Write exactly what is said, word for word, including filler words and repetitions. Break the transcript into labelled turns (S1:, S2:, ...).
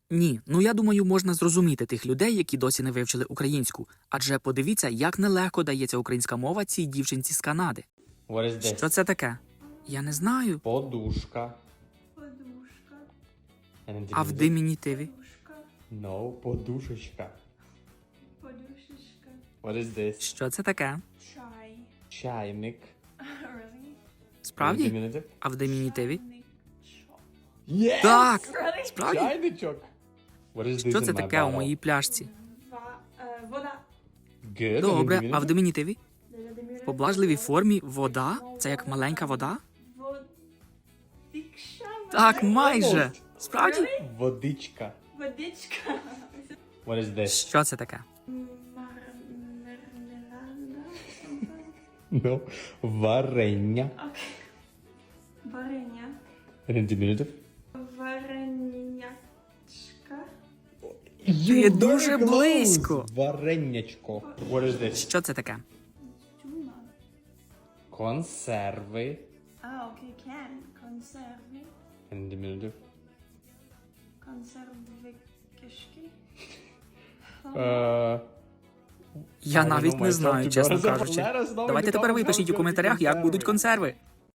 S1: Ні, ну я думаю, можна зрозуміти тих людей, які досі не вивчили українську. Адже подивіться, як нелегко дається українська мова цій дівчинці з Канади.
S2: What is this?
S1: Що це таке? Я не знаю.
S2: Подушка.
S3: Подушка.
S2: And in
S1: А в
S2: diminutive?
S1: димінітиві?
S3: Подушка.
S2: No, подушечка.
S3: Подушечка.
S2: What is this?
S1: Що це таке?
S3: Чай.
S2: Чайник.
S3: Really?
S2: In
S1: Справді?
S2: diminutive?
S1: А в димінітиві?
S3: Чайничок.
S2: Yes!
S1: Так!
S3: Really?
S1: Справді?
S2: Чайничок. What is this
S1: Що
S2: in
S1: це
S2: my
S1: таке у
S2: bottle?
S1: моїй пляшці?
S3: Ва- е, Вода.
S2: Good. And in
S1: Добре, а в
S2: diminutive?
S1: димінітиві? В поблажливій формі вода? Це як маленька вода?
S3: Водичка.
S1: Так, майже.
S2: Almost.
S1: Справді?
S2: Водичка.
S3: Водичка.
S2: What is this?
S1: Що це таке?
S3: Мар- Мармелада.
S2: No. Варення.
S3: Окей. Варення.
S2: And in diminutive?
S3: Варенячка.
S1: Ти дуже близько.
S2: Варенячко. What is this?
S1: Що це таке?
S3: Тюна.
S2: Консерви.
S3: А, окей, кен. Консерви.
S2: And in diminutive?
S3: Консерви кишки.
S2: Е,
S1: Я
S2: I don't
S1: навіть
S2: know
S1: не
S2: myself,
S1: знаю,
S2: to be
S1: чесно
S2: honest.
S1: кажучи.
S2: Let us know in
S1: Давайте
S2: the
S1: тепер ви
S2: comments
S1: пишіть у
S2: how to
S1: коментарях, як
S2: conserve.
S1: будуть консерви.